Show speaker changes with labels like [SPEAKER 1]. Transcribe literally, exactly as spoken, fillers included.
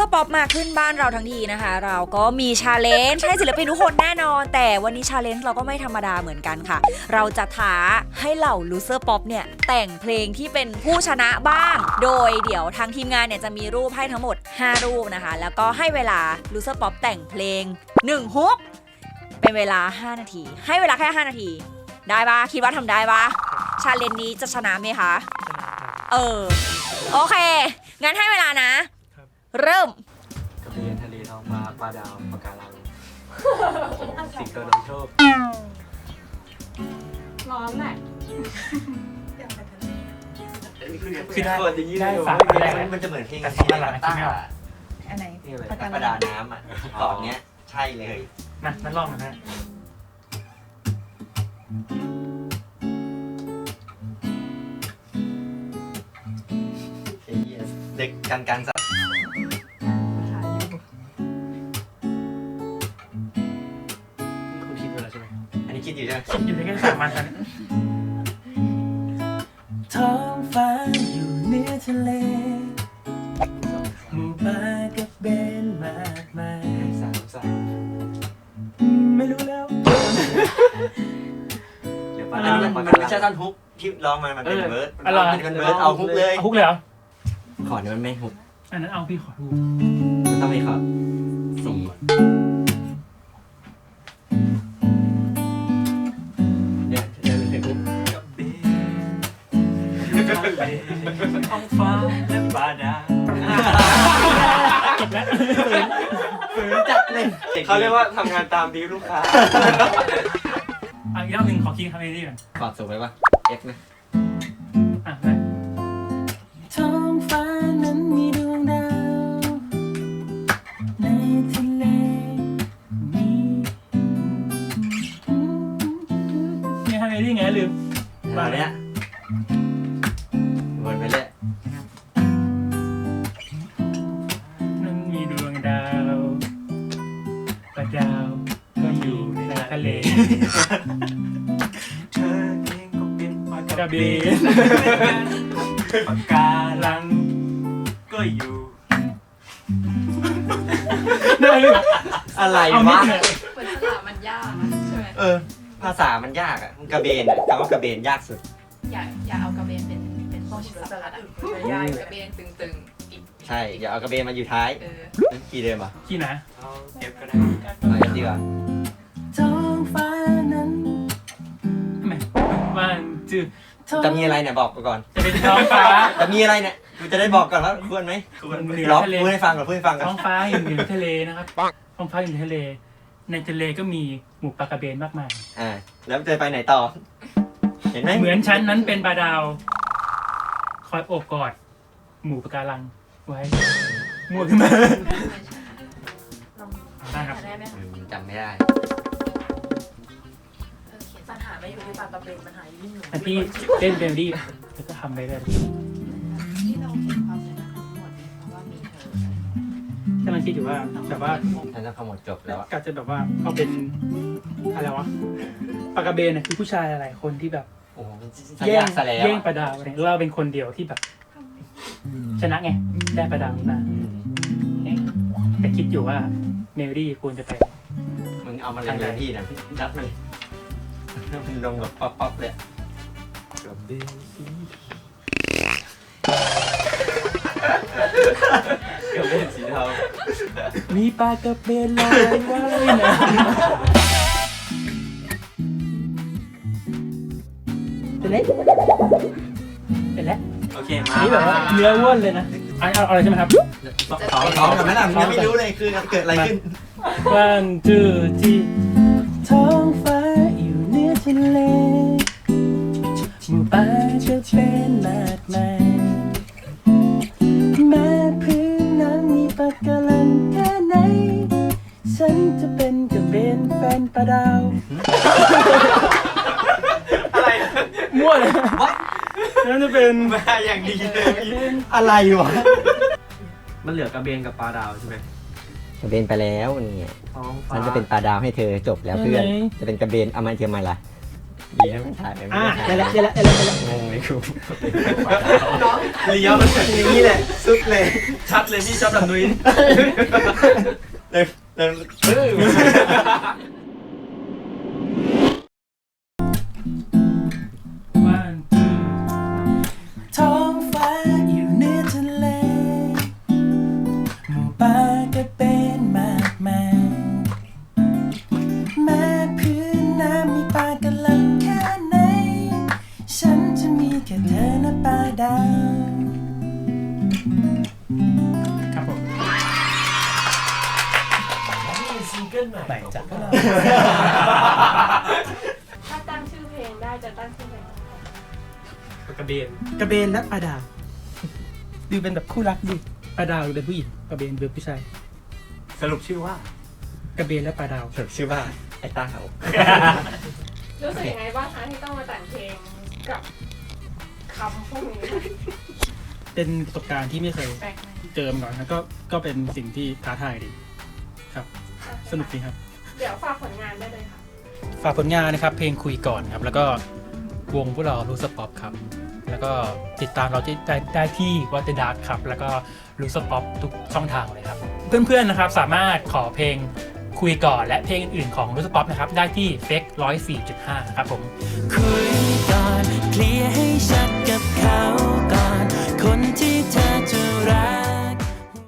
[SPEAKER 1] เซอร์ป๊อปมาขึ้นบ้านเราทั้งทีนะคะเราก็มีชาเลนจ์ให้ศิลปินทุกคนแน่นอนแต่วันนี้ชาเลนจ์เราก็ไม่ธรรมดาเหมือนกันค่ะเราจะท้าให้เหล่าลูเซอร์ป๊อปเนี่ยแต่งเพลงที่เป็นผู้ชนะบ้างโดยเดี๋ยวทางทีมงานเนี่ยจะมีรูปให้ทั้งหมดห้ารูปนะคะแล้วก็ให้เวลาลูเซอร์ป๊อปแต่งเพลงหนึ่งฮุกเป็นเวลาห้านาทีให้เวลาแค่ห้านาทีได้ปะคิดว่าทำได้ปะชาเลนจ์นี้จะชนะไหมคะเออโอเคงั้นให้เวลานะเริ่ม
[SPEAKER 2] กระเบียนทะเลท้องฟ้าปลาดาวปะการังสิงโตนำโชค
[SPEAKER 3] ร้อนแหละ
[SPEAKER 2] คือได้ได้ฝากได้มันจะเหมือนเพลงกันที่หลังตั้งอ่ะ
[SPEAKER 3] อันไหน
[SPEAKER 2] ประดาน้ำอ่ะตอนเนี้ยใช่เลย
[SPEAKER 4] นะนั่นลองนะฮะ
[SPEAKER 2] เด็กกันกันสักคุณคิดอยู่แล้วใช่ไหมอันนี้คิดอยู่ใช่ไหม
[SPEAKER 4] คิดอยู่ในแค่สามวันตอนนี้ท้องฟ้าอยู่เหนือทะเลหมู่ปลากับเบนมากมาย
[SPEAKER 2] สามสาม
[SPEAKER 4] ไม่รู้แล้ว
[SPEAKER 2] เดี๋ยวอันนี้มันไม่ใช่ท่อนฮุกที่ร้องมามันเป็นเบิร์ดมันเป็นเบิร์ดเอาฮุกเลย
[SPEAKER 4] ฮุกเลยเหรอ
[SPEAKER 2] ขอเนี่ยมันไม่ฮุก
[SPEAKER 4] อันนั้นเอาพี่ขอดู
[SPEAKER 2] มันต้องมีขอสี่เนี่ยจะเป็นเพลงฮุก
[SPEAKER 4] ท้องฟ้าและปลาดาวจบแล้ว
[SPEAKER 2] ฝืนจัดเลยเขาเรียกว่าทำงานตามดีลูกค้า
[SPEAKER 4] อีกรอบหนึ่งขอคิงคำนี้ดีก่อน
[SPEAKER 2] ขอสูงไปป่ะ X นะ
[SPEAKER 4] อ่ะได้ท้องฟ้านั้นมีดวงดาวในทะเลมีนี่ทำไงดีไงลืม
[SPEAKER 2] มาเนี้ยวนไปเลย
[SPEAKER 4] นั้นมีดวงดาวปลาดาวก็อยู่ในทะเล
[SPEAKER 2] เธอเองก็เป็นปลาก
[SPEAKER 4] ระเบน
[SPEAKER 2] ปะการังก็อยู่อะไรวะ
[SPEAKER 3] เหมือนภาษามันยากใช่ไหม
[SPEAKER 2] เออภาษามันยากอ่ะกระเบนอ่ะคำว่ากระเบนยากสุด
[SPEAKER 3] อย่าอย่าเอากระเบนเป็นเป็นพวกสัตว์อะอย่ากระเบนตึงๆอีก
[SPEAKER 2] ใช่อย่าเอากระเบนมาอยู่ท้ายกี่เดิมอ่ะ
[SPEAKER 4] กี่นะ
[SPEAKER 2] เอาเก็บก็ได้เอาเอฟดีกว่า
[SPEAKER 4] ท้องฟ้านั้นไม่วันจืด
[SPEAKER 2] จะมีอะไรเนี่ยบอกก่อน
[SPEAKER 4] จะเป็นท้องฟ้า
[SPEAKER 2] จะมีอะไรเนี่ยกูจะได้บอกก่อนว่าควรไหมควรร้องพูดให้ฟังก่อนพูดให้ฟังก่อน
[SPEAKER 4] ท้องฟ้าอยู่เหนือทะเลนะครับท้องฟ้าอยู่เหนือทะเลในทะเลก็มีหมู่ปลากระเบนมากมาย
[SPEAKER 2] อ่าแล้วจะไปไหนต่อเห็นไหม
[SPEAKER 4] เหมือนฉันนั้นเป็นปลาดาวคอยโอบกอดหมู่ปะการังไว้มั่วขึ้นมาได้ครับ
[SPEAKER 2] จำไม่ได้
[SPEAKER 3] ปัญหาไม่อยู่ที่ปลากระเบนปัญหาอยู่ที่หนู
[SPEAKER 4] แต่พี่เล่นเบลลี่แล้วก็ทำไปเลย
[SPEAKER 3] ที่เราเห็นความสำคัญทั้งหมดเพราะว่ามีเธอ
[SPEAKER 4] ถ้ามันคิดอยู่ว่าแบบว่า
[SPEAKER 2] ฉันจะขโมยจบแล้ว
[SPEAKER 4] ก็จะแบบว่าเอาเป็นอะไรวะปลากระเบนน่ะคือผู้ชายหลายคนที่แบบ
[SPEAKER 2] แย่ง
[SPEAKER 4] แย่งปลาดาวเนี่ยเราเป็นคนเดียวที่แบบชนะไงได้ปลาดาวมาแต่คิดอยู่ว่าเมลลี่ควรจะไป
[SPEAKER 2] มึงเอามาเลยพี่นะจัดมันมันลงแบบป๊อปป๊อปเลยกระเบนสีเทา
[SPEAKER 4] มีปลากระเบนลอยว่ายน้ำเสร็จแล้วเสร็จแล้ว
[SPEAKER 2] โอเคมา
[SPEAKER 4] นี่แบบว่าเนื้อว้วนเลยนะเอาเอาอะไรใช่ไหมครับ
[SPEAKER 2] สองสองกับแม่ล่ะยังไม่รู้เลยคือเกิดอะไรขึ้น
[SPEAKER 4] one two three ท้องฟ้าอยู่เหนือทะเลหมู่ปลากระเบนมากมายแม้พื้นนั้นมีปะการังแค่ไหนฉันจะเป็นกระเบนแฟนปลาดาว
[SPEAKER 2] อะไร
[SPEAKER 4] มั่วเลยนั่นจะเป็น
[SPEAKER 2] มาอย่างดีเลยอะไรวะ
[SPEAKER 4] มันเหลือกระเบนกับปลาดาวใช่ไหม
[SPEAKER 2] กระเบนไปแล้วนี่มันจะเป็นปลาดาวให้เธอจบแล้วเพื่อนจะเป็นกระเบนเอามาเทียมมาล่ะดีนะมันถ่ายไปไม่ได้
[SPEAKER 4] ได้แล้วได้แล้วได้แล้วได้แล้ว
[SPEAKER 2] งงเลยครู
[SPEAKER 3] น้อง
[SPEAKER 4] เลี้ยวมันอย่างนี้แหละสุดเลยชัดเลยพี่ชอบแบบนุ้ยเลยเลยวันท้องฟ้าอยู่เหนือทะเลหมู่ปลากระเบนมากมายแม้พื้นน้ำมีปลากระลังแค่ไหนฉันจะมีแค่เธอและปลาดาวครับผมนี่ซิงเกิลใหม่จากพวกเรา
[SPEAKER 5] ถ้าตั้งชื่อเพลงได้จะตั้งชื่อเพลงอะไร
[SPEAKER 4] กระเบนกระเบนและปลาดาวดูเป็นแบบคู่รักดิปลาดาวเป็นผู้หญิงกระเบนเป็นผู้ชายสรุปชื่อว่ากระเบนและปลาดาวสรุปชื่อว่าไอ้ตาเขา
[SPEAKER 5] รู้สึกยังไงบ้างคะที่ต้องมาแต่งเพลงกับคำพวกนี้
[SPEAKER 4] เป็นประสบการณ์ที่ไม่เคย
[SPEAKER 3] แปลกไหม
[SPEAKER 4] เจอมาก่อนนะก็ก็เป็นสิ่งที่ท้าทายดีครับ สนุกดีครับ
[SPEAKER 5] เดี๋ยวฝากผลงานได้เลยค่ะ
[SPEAKER 4] ฝากผลงานนะครับเพลงคุยก่อนครับแล้วก็วงพวกเราลูสป๊อปครับแล้วก็ติดตามเราที่ได้ได้ที่วัตเตอร์ดาร์ครับแล้วก็ลูสป๊อปทุกช่องทางเลยครับเพื่อนๆนะครับสามารถขอเพลงคุยก่อนและเพลงอื่นๆของลูสป๊อปนะครับได้ที่เฟกร้อยสี่จุดห้าครับผมคุยก่อนเคลียร์ให้ชัดกับเขาก่อนคนที่เธอจะรัก